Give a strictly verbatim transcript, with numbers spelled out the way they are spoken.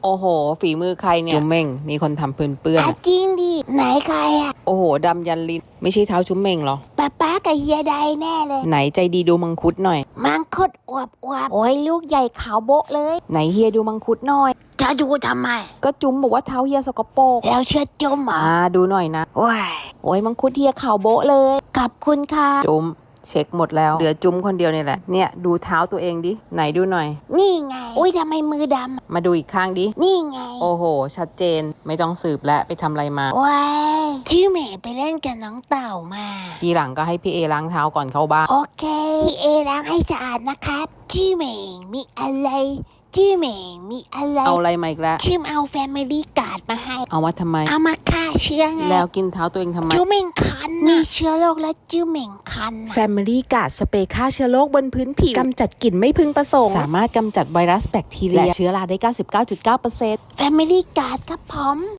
โอ้โหฝีมือใครเนี่ยจุ๊มเม่งมีคนทำปืนเปื้อนอ่ะจริงดิไหนใครอ่ะโอ้โหดำยันลิ้นไม่ใช่เท้าจุ๊มเม่งหรอป้าป้ากับเฮียใดแน่เลยไหนใจดีดูมังคุดหน่อยมังคุดอวบอวบโอ้ยลูกใหญ่ขาวโบ๊ะเลยไหนเฮียดูมังคุดหน่อยจะดูทำไมก็จุ๊มบอกว่าเท้าเฮียสกปรกแล้วเชื่อจุ๊มเหรออ่าดูหน่อยนะโอ้ยโอ้ยมังคุดเฮียขาวโบ๊ะเลยขอบคุณค่ะจุ๊มเช็คหมดแล้วเหลือจุ๊มคนเดียวนี่แหละเนี่ยดูเท้าตัวเองดิไหนดูหน่อยนี่ไงอุ้ยทำไมมือดำมาดูอีกข้างดินี่ไงโอ้โหชัดเจนไม่ต้องสืบและไปทำอะไรมาว้ายชื่อเมย์ไปเล่นกับน้องเต่ามาทีหลังก็ให้พี่เอล้างเท้าก่อนเข้าบ้านโอเคพี่เอล้างให้สะอาดนะครับชื่อเมย์มีอะไรชื่อเมย์มีอะไรเอาอะไรมาอีกแล้วชื่อเอาแฟมิลี่การ์ดมาให้เอามาทำไมเอามาฆ่าเชื้อไงแล้วกินเท้าตัวเองทำไมจิ้วเหม่งคันมีเชื้อโรคแล้วจิ้วเหม่งคัน Family Guard สเปรย์ฆ่าเชื้อโรคบนพื้นผิวกำจัดกลิ่นไม่พึงประสงค์สามารถกำจัดไวรัสแบคทีเรียและเชื้อราได้ เก้าสิบเก้าจุดเก้าเปอร์เซ็นต์ Family Guard ครับผม